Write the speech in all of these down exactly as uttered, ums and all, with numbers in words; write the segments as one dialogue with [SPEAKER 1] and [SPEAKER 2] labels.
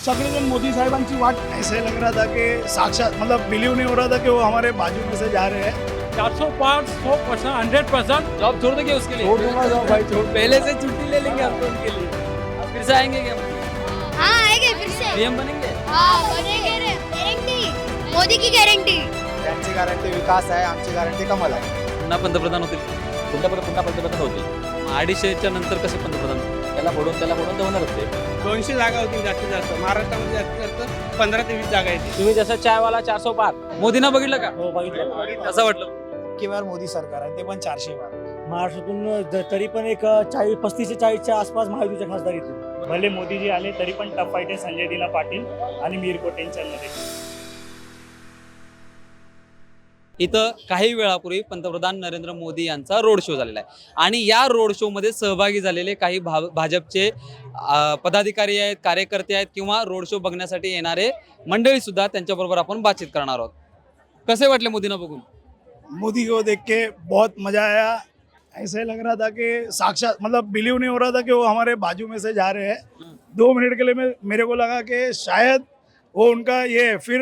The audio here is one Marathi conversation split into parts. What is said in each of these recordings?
[SPEAKER 1] सगळेजण मोदी साहेबांची वाट ऐसे लग रहा था कि साक्षात मतलब बिलीव नहीं हो रहा था कि वो हमारे बाजू में से जा रहे हैं।
[SPEAKER 2] चार सौ पाँच सौ परसेंट हंड्रेड परसेंट
[SPEAKER 3] जॉब छोड़ देंगे उसके लिए?
[SPEAKER 1] छोड़ दूंगा जॉब भाई, छोड़।
[SPEAKER 3] पहले से छुट्टी ले लेंगे हम तो उनके लिए। अब फिर से आएंगे क्या?
[SPEAKER 4] हाँ आएंगे फिर से।
[SPEAKER 3] पीएम बनेंगे?
[SPEAKER 4] हाँ बनेंगे रे, गारंटी मोदी की गारंटी।
[SPEAKER 5] त्यांची गॅरंटी विकास आहे, आमची गॅरंटी कमल आहे।
[SPEAKER 3] पुन्हा पंतप्रधान होतील? पुन्हा पुन्हा पंतप्रधान होतील? अडीचशेच्या नंतर कसे पंतप्रधान? त्याला फोडून त्याला फोडून तर होणारच ते।
[SPEAKER 6] दोनशे जागा होतील जास्तीत जास्त महाराष्ट्रामध्ये जास्तीत जास्त पंधरा ते वीस जागा येतील।
[SPEAKER 3] तुम्ही जसं चायवाला चार सौ पार मोदींना बघितलं का?
[SPEAKER 1] हो बघितलं।
[SPEAKER 3] कसं वाटलं?
[SPEAKER 1] इतकी वेळ मोदी सरकार आहे ते पण चारशे वार
[SPEAKER 7] महाराष्ट्रातून ज- तरी पण एक चाळीस पस्तीस ते चाळीसच्या आसपास महायुतीच्या खासदार येतील. भले मोदीजी आले तरी पण टफ फाईट आहे संजय दिना पाटील आणि मीर कोटेंच्यामध्ये.
[SPEAKER 3] इथं काही वेळापूर्वी पंतप्रधान नरेंद्र मोदी यांचा रोड शो झालेला आहे आणि या रोड शो मध्ये सहभागी झालेले काही भा भाजपचे अ, पदाधिकारी आहेत, कार्यकर्ते आहेत किंवा रोड शो बघण्यासाठी येणारे मंडळी सुद्धा त्यांच्याबरोबर आपण बातचीत करणार आहोत. कसे वाटले मोदींना बघून?
[SPEAKER 1] मोदी को देख के बहुत मजा आया। ऐसे लग रहा था कि साक्षात मतलब बिलीव नहीं हो रहा था कि वो हमारे बाजू में से जा रहे हैं। दो मिनट के लिए मैं मेरे को लगा कि शायद वो उनका ये फिर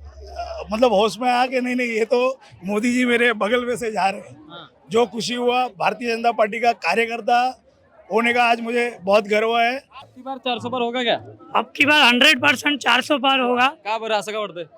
[SPEAKER 1] अ, मतलब होश में आया कि नहीं नहीं ये तो मोदी जी मेरे बगल में से जा रहे हैं। जो खुशी हुआ, भारतीय जनता पार्टी का कार्यकर्ता होने का आज मुझे बहुत गर्व है।
[SPEAKER 3] अबकी बार चार सौ पार होगा क्या?
[SPEAKER 7] अब की बार हंड्रेड पर्सेंट चारशे पार होगा
[SPEAKER 3] का बरं असं का वाटतंय?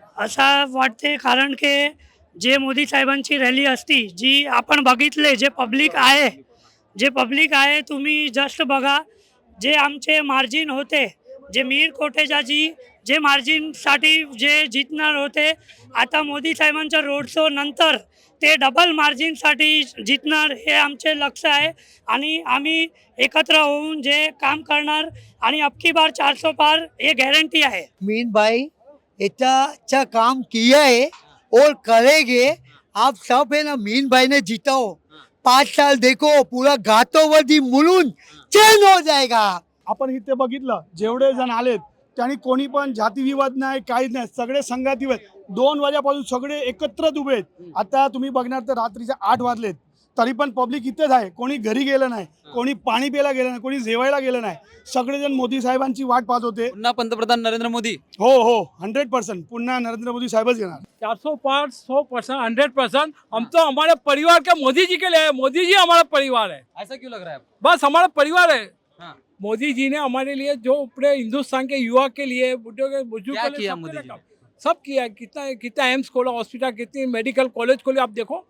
[SPEAKER 7] असं वाटते, कारण की जे मोदी साहेबांची रॅली असती जी आपण बघितले, जे पब्लिक आहे जे पब्लिक आहे तुम्ही जस्ट बघा, जे आमचे मार्जिन होते, जे मीर कोटेचाजी जे मार्जिनसाठी जे जिंकणार होते, आता मोदी साहेबांच्या रोड शो नंतर ते डबल मार्जिनसाठी जिंकणार हे आमचे लक्ष आहे आणि आम्ही एकत्र होऊन जे काम करणार आणि अबकी बार चारशे पार हे गॅरंटी आहे.
[SPEAKER 8] मीन भाई इतना अच्छा काम किया है और करेंगे। आप सब है ना, मीन भाई ने जिताओ, पाँच साल देखो पूरा घातोवरती मुलून चैन हो जाएगा।
[SPEAKER 1] आपण इथे बघितलं जेवढे जण आलेत त्यांनी कोणी पण जातीविवाद नाही, काहीच नाही, सगळे संघाती आहेत. दोन वाजेपासून सगळे एकत्रच उभे आहेत. आता तुम्ही बघणार तर रात्रीचे आठ वाजलेत तरी पण पब्लिक इथेच आहे. कोणी घरी गेलं नाही, कोणी पाणी प्यायला गेलं नाही, कोणी जेवायला गेलं नाही. सगळेजण मोदी साहेबांची वाट पाहत होते.
[SPEAKER 3] पुन्हा पंतप्रधान नरेंद्र मोदी?
[SPEAKER 1] हो हो हंड्रेड पर्सेंट पुन्हा नरेंद्र मोदी साहेबच येणार.
[SPEAKER 2] चार सौ पाँच सौ परसेंट हंड्रेड परसेंट हम तो हमारे परिवार के मोदी जी के लिए है। मोदी जी हमारा परिवार है।
[SPEAKER 3] ऐसा क्यों लग रहा है?
[SPEAKER 2] बस हमारा परिवार है।
[SPEAKER 3] हाँ।
[SPEAKER 2] मोदी जी ने हमारे लिए जो पूरे हिंदुस्तान के युवा के लिए, बुजुर्गों के बुजुर्गों
[SPEAKER 3] क्या
[SPEAKER 2] के लिए
[SPEAKER 3] किया
[SPEAKER 2] सबके
[SPEAKER 3] मोदी
[SPEAKER 2] लिए
[SPEAKER 3] जी?
[SPEAKER 2] काम- सब किया है। कितना कितना एम्स खोला, हॉस्पिटल, कितनी मेडिकल कॉलेज खोले, आप देखो।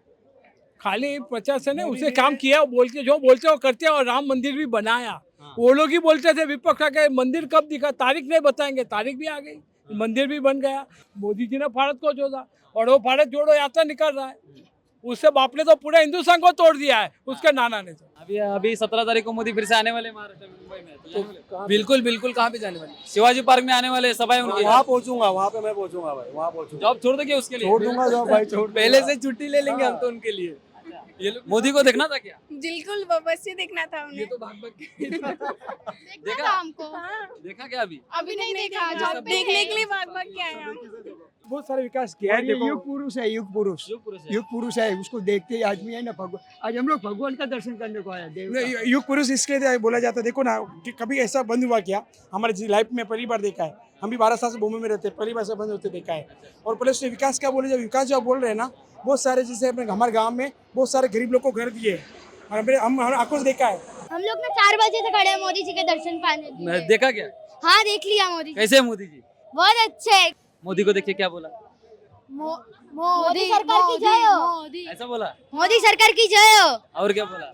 [SPEAKER 2] खाली प्रचार से नहीं, उसे काम किया, बोल के जो बोलते हो करते हैं। और राम मंदिर भी बनाया।
[SPEAKER 3] हाँ।
[SPEAKER 2] वो लोग ही बोलते थे विपक्ष के मंदिर कब दिखा, तारीख नहीं बताएंगे, तारीख भी आ गई, मंदिर भी बन गया। मोदी जी ने भारत को जोड़ा और वो भारत जोड़ो यात्रा निकल रहा है। उससे बाप ने तो पूरे हिंदुस्तान को तोड़ दिया है, उसके नाना ने तो।
[SPEAKER 3] अभी अभी सत्रह तारीख को मोदी फिर से आने वाले महाराष्ट्र में, मुंबई में तो जाने वाले?
[SPEAKER 6] बिल्कुल बिल्कुल कहाँ पे जाने वाले?
[SPEAKER 3] शिवाजी पार्क में आने वाले, सभा है उनकी।
[SPEAKER 1] वहाँ पहुँचूंगा, वहाँ पे मैं पहुँचूंगा भाई, वहाँ पहुँचूंगा।
[SPEAKER 3] जॉब छोड़ देंगे उसके लिए?
[SPEAKER 1] छोड़ दूंगा जॉब भाई, छोड़।
[SPEAKER 6] पहले से छुट्टी ले लेंगे हम तो उनके लिए।
[SPEAKER 3] ये लोग मोदी को देखना था क्या?
[SPEAKER 4] बिल्कुल बस ये देखना था
[SPEAKER 6] ये तो भाग भाग के
[SPEAKER 4] देखना था हमको।
[SPEAKER 3] देखा क्या अभी?
[SPEAKER 4] अभी नहीं देखा, जब देखने के लिए भाग भाग के आए हम।
[SPEAKER 1] बहुत सारे विकास किया है। देखो
[SPEAKER 8] युग पुरुष है, युग पुरुष
[SPEAKER 3] युग पुरुष है।
[SPEAKER 8] युग पुरुष है, उसको देखते ही आदमी है ना भगवान। आज हम लोग भगवान का दर्शन करने को आया देव का।
[SPEAKER 1] नहीं, युग पुरुष इसके लिए बोला जाता है। देखो ना कि कभी ऐसा बंद हुआ क्या हमारे लाइफ में पहली बार देखा है। हम भी बारह साल से बॉम्बे में रहते हैं, पहली बार ऐसा बंद होते देखा है। और प्लस विकास क्या बोले, जब विकास जो आप बोल रहे हैं ना, बहुत सारे जैसे अपने हमारे गांव में बहुत सारे गरीब लोग को घर दिए हैं। और हमने हम हम आंखों से देखा है।
[SPEAKER 4] हम लोग ना चार बजे से खड़े हैं मोदी जी के दर्शन पाने के लिए।
[SPEAKER 3] देखा क्या?
[SPEAKER 4] हाँ देख लिया मोदी जी,
[SPEAKER 3] कैसे है मोदी जी?
[SPEAKER 4] बहुत अच्छे है।
[SPEAKER 3] मोदी को देखिए क्या बोला?
[SPEAKER 4] मो- मोदी सरकार की जय हो।
[SPEAKER 3] ऐसा बोला?
[SPEAKER 4] मोदी सरकार की जय हो।
[SPEAKER 3] और क्या बोला?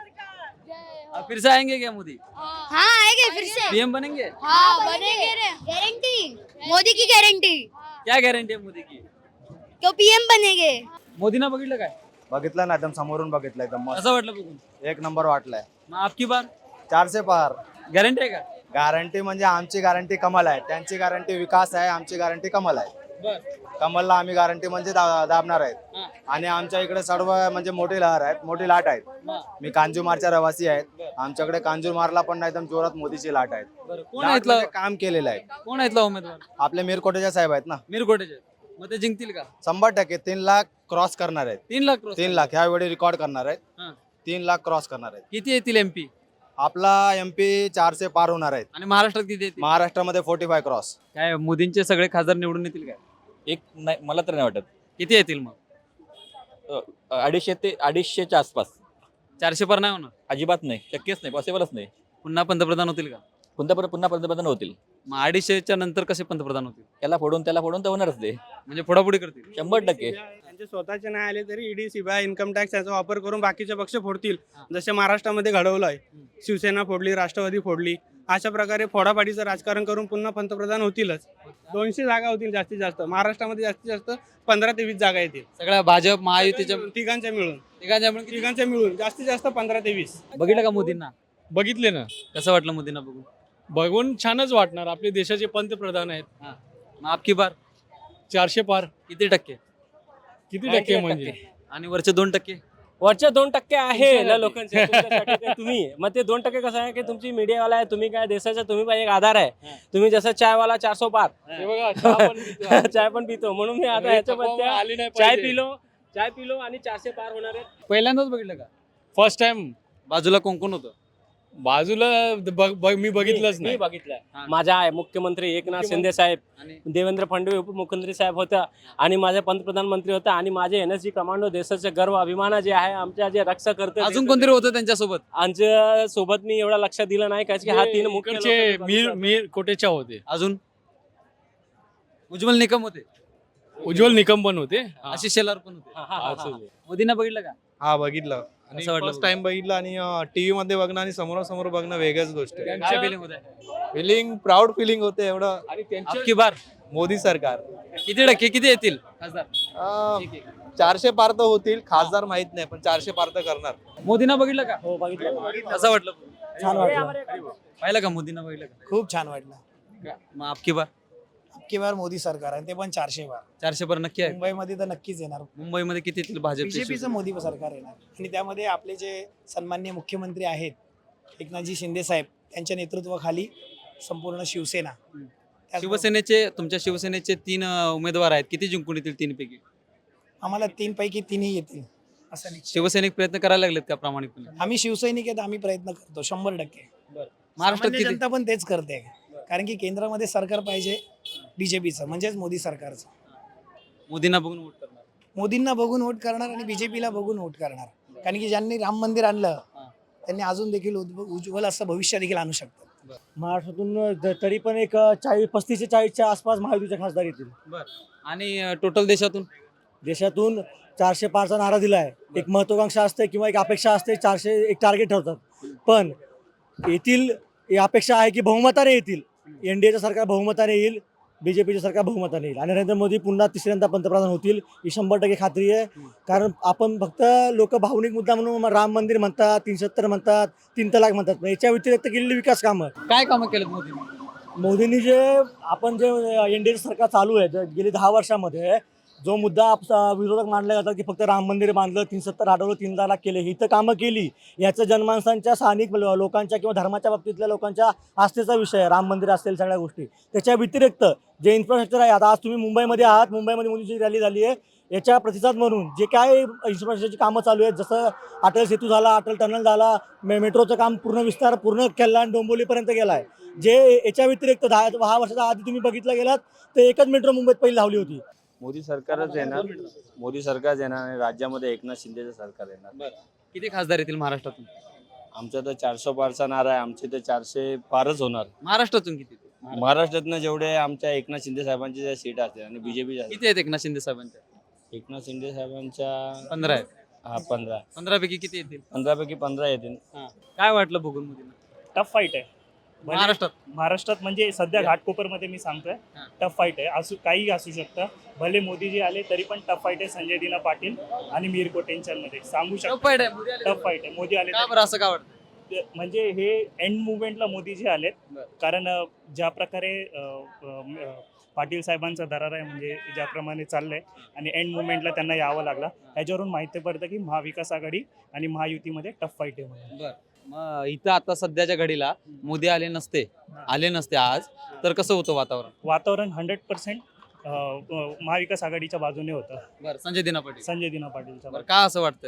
[SPEAKER 3] अब फिर से आएंगे क्या मोदी?
[SPEAKER 4] हाँ आएंगे फिर से।
[SPEAKER 3] पीएम बनेंगे?
[SPEAKER 4] हाँ बनेंगे रे, गारंटी मोदी की गारंटी।
[SPEAKER 3] क्या गॅरंटी आहे मोदी की?
[SPEAKER 4] तो पीएम बनेंगे।
[SPEAKER 3] मोदींना बघितलं काय?
[SPEAKER 5] बघितलं ना, एकदम समोरून बघितलं, एकदम मस्त,
[SPEAKER 3] असं वाटलं बघून?
[SPEAKER 5] एक नंबर वाटलाय।
[SPEAKER 3] मग आपकी बार
[SPEAKER 5] चारशे पार
[SPEAKER 3] गॅरंटी आहे का?
[SPEAKER 5] गॅरंटी म्हणजे आमची गॅरंटी कमल आहे, त्यांची गॅरंटी विकास आहे, आमची गॅरंटी कमल आहे।
[SPEAKER 3] बर.
[SPEAKER 5] कमलला आम्ही गॅरंटी म्हणजे दा- दाबणार आहेत।
[SPEAKER 3] हा.
[SPEAKER 5] आणि आमच्या इकडे सर्व म्हणजे मोठी लहर आहेत, मोठी लाट आहेत।
[SPEAKER 3] हा.
[SPEAKER 5] मी कांजूरमारचा रहिवासी आहेत, आमच्याकडे कांजूरमारला पण एकदम जोरात मोदीची लाट आहेत।
[SPEAKER 3] बरं. कोण आहे
[SPEAKER 5] लाट
[SPEAKER 3] इथलं?
[SPEAKER 5] म्हणजे काम केलेलं आहे।
[SPEAKER 3] कोण आहे इथला उमेदवार?
[SPEAKER 5] आपले मीरकोटेच्या साहेब आहेत ना,
[SPEAKER 3] मिरकोटेचे. मग ते जिंकतील का?
[SPEAKER 5] शंभर टक्के तीन लाख क्रॉस करणार आहेत।
[SPEAKER 3] तीन लाख cross
[SPEAKER 5] तीन
[SPEAKER 3] करणार.
[SPEAKER 5] लाख ह्यावेळी रेकॉर्ड करणार आहेत।
[SPEAKER 3] हा.
[SPEAKER 5] तीन लाख क्रॉस करणार आहेत।
[SPEAKER 3] किती येतील एमपी?
[SPEAKER 5] आपला एम पी चारशे पार होणार आहेत.
[SPEAKER 3] आणि महाराष्ट्रात किती येतील?
[SPEAKER 5] महाराष्ट्रामध्ये फोर्टी फाय क्रॉस.
[SPEAKER 3] काय मोदींचे सगळे खासदार निवडून येतील काय?
[SPEAKER 9] एक नाही मला तर नाही वाटत.
[SPEAKER 3] किती येतील मग?
[SPEAKER 9] अ, अडीचशे ते अडीचशेच्या आसपास.
[SPEAKER 3] चारशे पार नाही होणार?
[SPEAKER 9] अजिबात नाही, शक्यच नाही, पॉसिबलच नाही.
[SPEAKER 3] पुन्हा पंतप्रधान होतील का?
[SPEAKER 9] पुन्हा परत पुन्हा पंतप्रधान होतील.
[SPEAKER 3] मग अडीचशेच्या नंतर कसे पंतप्रधान होतील?
[SPEAKER 9] त्याला फोडून त्याला फोडून तर होणारच ते,
[SPEAKER 3] म्हणजे फोडाफोडी करतील?
[SPEAKER 9] शंभर टक्के.
[SPEAKER 6] त्यांचे स्वतःचे नाही आले तरी ईडी सीबीआय इन्कम टॅक्स याचा वापर करून बाकीचे पक्ष फोडतील. जसे महाराष्ट्रामध्ये घडवलं आहे, शिवसेना फोडली, राष्ट्रवादी फोडली. अशा प्रकारे फोडाफाडीचं राजकारण करून पुन्हा पंतप्रधान होतीलच. दोनशे जागा होतील जास्तीत जास्त. महाराष्ट्रामध्ये जास्तीत जास्त पंधरा ते वीस जागा येतील
[SPEAKER 3] सगळ्या भाजप महायुतीच्या
[SPEAKER 6] तिघांच्या मिळून.
[SPEAKER 3] तिघांच्या मिळून किती?
[SPEAKER 6] तिघांच्या मिळून जास्तीत जास्त पंधरा ते वीस.
[SPEAKER 3] बघितलं का मोदींना?
[SPEAKER 2] बघितले ना,
[SPEAKER 3] कसं वाटलं मोदींना बघून?
[SPEAKER 2] बघून छानच वाटणार. आपले देशाचे पंतप्रधान आहेत.
[SPEAKER 3] मग आपकी बार
[SPEAKER 2] चारशे पार.
[SPEAKER 3] किती टक्के?
[SPEAKER 2] किती टक्के म्हणजे?
[SPEAKER 3] आणि वरचे दोन टक्के?
[SPEAKER 10] वरचे दोन टक्के आहे
[SPEAKER 2] तुमच्यासाठी.
[SPEAKER 10] ना लोकांचे, तुमच्यासाठी ते तुम्ही. मग ते दोन टक्के कसं आहे की तुमची मीडियावाला आहे, तुम्ही काय देशाचा तुम्ही पण एक आधार आहे. तुम्ही जसं चायवाला चारसो पार
[SPEAKER 2] हे बघा, चहा पण पितो.
[SPEAKER 10] चाय पण पितो, म्हणून मी आता ह्याच्यामध्ये
[SPEAKER 2] आली नाही
[SPEAKER 10] चाय
[SPEAKER 2] पाहिजे.
[SPEAKER 10] पिलो चाय पिलो आणि चारशे पार होणार आहे.
[SPEAKER 3] पहिल्यांदाच बघितलं का?
[SPEAKER 2] First time.
[SPEAKER 3] बाजूला कोण कोण होतं?
[SPEAKER 2] बाजूला बघ- बघ- मी बघितलंच
[SPEAKER 10] मी
[SPEAKER 2] नाही.
[SPEAKER 10] बघितलंय.
[SPEAKER 3] हा.
[SPEAKER 10] माझा आहे मुख्यमंत्री एकनाथ शिंदे साहेब,
[SPEAKER 3] आणि
[SPEAKER 10] देवेंद्र फडणवीस उपमुख्यमंत्री साहेब होता आणि माझे पंतप्रधान मंत्री होता आणि माझे एन एस जी कमांडो देशाचे गर्व अभिमान जे आहे आमच्या जे रक्षा करते
[SPEAKER 3] अजून कोणतरी होतं त्यांच्यासोबत?
[SPEAKER 10] आमच्या सोबत मी एवढा लक्ष दिलं नाही कारण की हा तीन मुख्य
[SPEAKER 2] इकडचे
[SPEAKER 10] लोकं
[SPEAKER 2] मीर मीर कोटेचा होते.
[SPEAKER 3] अजून उज्ज्वल निकम होते,
[SPEAKER 2] उज्ज्वल निकम पण होते.
[SPEAKER 3] आशिष शेलार पण होते.
[SPEAKER 10] हा, हा, हा, हा.
[SPEAKER 3] मोदींना बघितलं का?
[SPEAKER 5] हा बघितलं आणि
[SPEAKER 3] कसं वाटलं
[SPEAKER 5] फर्स्ट टाइम बघितलं आणि टीव्ही मध्ये बघणं आणि समोरासमोर बघणं वेगळ्याच गोष्ट आहे.
[SPEAKER 3] काय फिलिंग होत आहे?
[SPEAKER 5] फिलिंग प्राऊड फिलिंग होते एवढं.
[SPEAKER 2] आणि त्यांच्या
[SPEAKER 3] आपकी बार
[SPEAKER 5] मोदी सरकार.
[SPEAKER 3] किती टक्के किती येतील खासदार?
[SPEAKER 5] अं,
[SPEAKER 3] ठीक आहे.
[SPEAKER 5] चारशे पार तर होतील, खासदार माहित नाही पण चारशे पार तर करणार.
[SPEAKER 3] मोदींना बघितलं का?
[SPEAKER 10] हो बघितलं.
[SPEAKER 3] कसं वाटलं?
[SPEAKER 10] छान वाटलं.
[SPEAKER 3] पाहिलं का मोदींना बघितलं का?
[SPEAKER 1] खूप छान वाटलं.
[SPEAKER 3] मग आपकी बार
[SPEAKER 1] अबकी बार मोदी सरकार आहे, ते पण चारशे बार.
[SPEAKER 3] चारशे बार नक्की आहे.
[SPEAKER 1] मुंबईमध्ये तर नक्कीच येणार.
[SPEAKER 3] मुंबईमध्ये किती येतील भाजपचे?
[SPEAKER 1] बीजेपीचं मोदी सरकार येणार आणि त्यामध्ये आपले जे सन्माननीय मुख्यमंत्री आहेत एकनाथजी शिंदे साहेब, त्यांच्या नेतृत्वाखाली संपूर्ण शिवसेना. त्याचबरोबर
[SPEAKER 3] शिवसेनेचे तुमच्या शिवसेनेचे तीन अं, उमेदवार आहेत, किती जिंकून येतील तीन पैकी?
[SPEAKER 1] आम्हाला तीन पैकी तीनही येतील असं नाही.
[SPEAKER 3] शिवसैनिक प्रयत्न करायला लागलेत का प्रामाणिकपणे?
[SPEAKER 1] आम्ही शिवसैनिक आहेत, आम्ही प्रयत्न करतो शंभर टक्के.
[SPEAKER 3] महाराष्ट्रात
[SPEAKER 1] सामान्य
[SPEAKER 3] किती?
[SPEAKER 1] जनता पण तेच करते, कारण की केंद्रामध्ये सरकार पाहिजे बीजेपीचं, म्हणजेच मोदी सरकारचं.
[SPEAKER 3] मोदींना बघून वोट करणार?
[SPEAKER 1] मोदींना बघून वोट करणार आणि बीजेपीला बघून वोट करणार, कारण की ज्यांनी राम मंदिर आणलं त्यांनी अजून देखील उज्व- उज्ज्वल असं भविष्य देखील आणू शकतात.
[SPEAKER 10] महाराष्ट्रातून ज- तरी पण एक चाळीस पस्तीस ते चाळीसच्या आसपास महायुतीचे खासदार येतील.
[SPEAKER 3] आणि टोटल देशातून?
[SPEAKER 10] देशातून चारशे पारचा नारा दिला आहे. एक महत्वाकांक्षा असते किंवा एक अपेक्षा असते, चारशे एक टार्गेट ठेवतात. पण येथील ही अपेक्षा आहे की बहुमताने येतील. एनडीएचं सरकार बहुमताने येईल, बीजेपीचं सरकार बहुमताने येईल आणि नरेंद्र मोदी पुन्हा तिसऱ्यांदा पंतप्रधान होतील ही शंभर टक्के खात्री आहे. कारण आपण फक्त लोक भावनिक मुद्दा म्हणून राम मंदिर म्हणतात, तीन सत्तर म्हणतात, तीन तलाक म्हणतात, पण याच्या व्यतिरिक्त केलेली विकास कामं,
[SPEAKER 3] काय कामं केलेत मोदींनी?
[SPEAKER 10] मोदींनी जे आपण जे एनडीए सरकार चालू आहे जे गेली दहा वर्षामध्ये जो मुद्दा आप- विरोधक मांडला जातात की फक्त राम मंदिर बांधलं, तीन सत्तर हटवलं, तीन तलाक केले, ही तर कामं केली. याचं जनमानसांच्या स्थानिक लो- लोकांच्या किंवा धर्माच्या बाबतीतल्या लोकांच्या आस्थेचा विषय आहे, राम मंदिर असतील सगळ्या गोष्टी. त्याच्या व्यतिरिक्त जे इन्फ्रास्ट्रक्चर आहे, आता आज तुम्ही मुंबईमध्ये आहात, मुंबईमध्ये मोदीची रॅली झाली आहे, याच्या प्रतिसाद म्हणून जे काय इन्फ्रास्ट्रक्चरची कामं चालू आहेत, जसं अटल सेतू झाला, अटल टनल झाला, मे मेट्रोचं काम पूर्ण विस्तार पूर्ण कल्याण डोंबिवलीपर्यंत गेला आहे. जे याच्या व्यतिरिक्त दहा दहा वर्षाच्या आधी तुम्ही बघितलं गेलात तर एकच मेट्रो मुंबईत पहिली लावली होती.
[SPEAKER 9] मोदी सरकारच येणार. मोदी सरकारच येणार आणि राज्यामध्ये एकनाथ शिंदेचं सरकार येणार.
[SPEAKER 3] किती खासदार येतील महाराष्ट्रातून?
[SPEAKER 9] आमचा तर चारशे पारचा नारा आहे, आमचे तर चारशे पारच होणार.
[SPEAKER 3] महाराष्ट्रातून किती?
[SPEAKER 9] महाराष्ट्रातनं जेवढे आमच्या एकनाथ शिंदे साहेबांची ज्या सीट असतील आणि बीजेपी
[SPEAKER 3] किती आहेत एकनाथ शिंदे साहेबांच्या?
[SPEAKER 9] एकनाथ शिंदे साहेबांच्या
[SPEAKER 3] पंधरा आहेत.
[SPEAKER 9] हा पंधरा
[SPEAKER 3] पंधरा पैकी किती येतील?
[SPEAKER 9] पंधरा पैकी पंधरा येतील.
[SPEAKER 3] काय वाटलं बघून मोदींना?
[SPEAKER 11] टफ फाईट आहे
[SPEAKER 3] महाराष्ट्रात?
[SPEAKER 11] महाराष्ट्रात म्हणजे सध्या घाटकोपरमध्ये मी सांगतोय
[SPEAKER 3] हा.
[SPEAKER 11] टफ फाईट आहे. असू काही असू शकतं. भले मोदीजी आले तरी पण टफ फाईट आहे संजय दिना पाटील आणि मीर कोटेंच्यामध्ये सांगू
[SPEAKER 3] टफ
[SPEAKER 11] शकतो.
[SPEAKER 3] फाईट आहे. मोदी आले
[SPEAKER 11] टफ फाईट आहे. मोदी आले
[SPEAKER 3] का
[SPEAKER 11] तरी-
[SPEAKER 3] बरं असं का वाटतं?
[SPEAKER 11] म्हणजे हे एंड मुवमेंटला मोदीजी आलेत,
[SPEAKER 3] बरं.
[SPEAKER 11] कारण अ, ज्या प्रकारे अ, अ, अ, पाटील साहेबांचा दरार आहे, म्हणजे ज्याप्रमाणे चाललंय आणि एंड मुवमेंटला त्यांना यावं लागला, ह्याच्यावरून माहिती पडतं की महाविकास आघाडी आणि महायुतीमध्ये टफ फाईट आहे म्हणून.
[SPEAKER 3] बरं. मग इथं आता सध्याच्या घडीला मोदी आले नसते आले नसते आज तर कसं होतं वातावरण?
[SPEAKER 11] वातावरण हंड्रेड पर्सेंट महाविकास आघाडीच्या बाजूने होतं,
[SPEAKER 3] बरं. संजय दिना पाटील.
[SPEAKER 11] संजय दिना पाटीलच्या
[SPEAKER 3] बरं. का असं वाटतंय?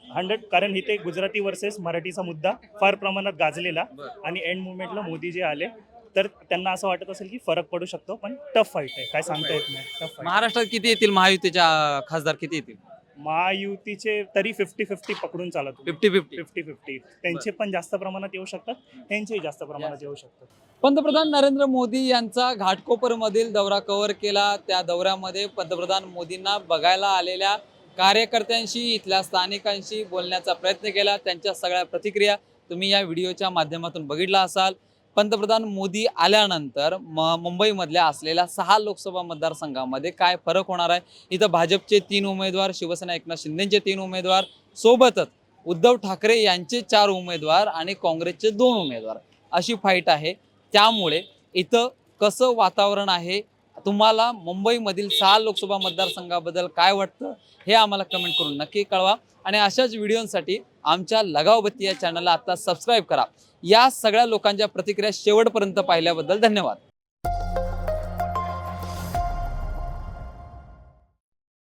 [SPEAKER 11] हंड्रेड, कारण इथे गुजराती वर्सेस मराठीचा मुद्दा फार प्रमाणात गाजलेला आणि एंड मुवमेंटला मोदी जे आले तर त्यांना असं वाटत असेल की फरक पडू शकतो, पण टफ फाईट आहे, काय सांगता येत नाही. Tough fight.
[SPEAKER 3] महाराष्ट्रात किती येतील महायुतीच्या अं, खासदार किती येतील?
[SPEAKER 11] महायुतीचे तरी फिफ्टी फिफ्टी पकडून चालत
[SPEAKER 3] फिफ्टी फिफ्टी
[SPEAKER 11] फिफ्टी फिफ्टी त्यांचे पण जास्त प्रमाणात येऊ शकतात, त्यांचेही जास्त प्रमाणात येऊ शकतात.
[SPEAKER 3] पंतप्रधान नरेंद्र मोदी यांचा घाटकोपरमधील दौरा कव्हर केला. त्या दौऱ्यामध्ये पंतप्रधान मोदींना बघायला आलेल्या कार्यकर्त्यांशी, इथल्या स्थानिकांशी बोलण्याचा प्रयत्न केला. त्यांच्या सगळ्या प्रतिक्रिया तुम्ही या व्हिडिओच्या माध्यमातून बघितला असाल. पंतप्रधान मोदी आल्यानंतर म मुंबईमधल्या असलेल्या सहा लोकसभा मतदारसंघामध्ये काय फरक होणार आहे? इथं भाजपचे तीन उमेदवार, शिवसेना एकनाथ शिंदेचे तीन उमेदवार, सोबतच उद्धव ठाकरे यांचे चार उमेदवार आणि काँग्रेसचे दोन उमेदवार, अशी फाईट आहे. त्यामुळे इथं कसं वातावरण आहे, तुम्हाला मुंबईमधील सहा लोकसभा मतदारसंघाबद्दल काय वाटतं हे आम्हाला कमेंट करून नक्की कळवा. आणि अशाच व्हिडिओंसाठी आमच्या लगावबत्ती या चॅनलला आता सबस्क्राईब करा. या सगळ्या लोकांच्या प्रतिक्रिया शेवटपर्यंत पाहिल्याबद्दल धन्यवाद.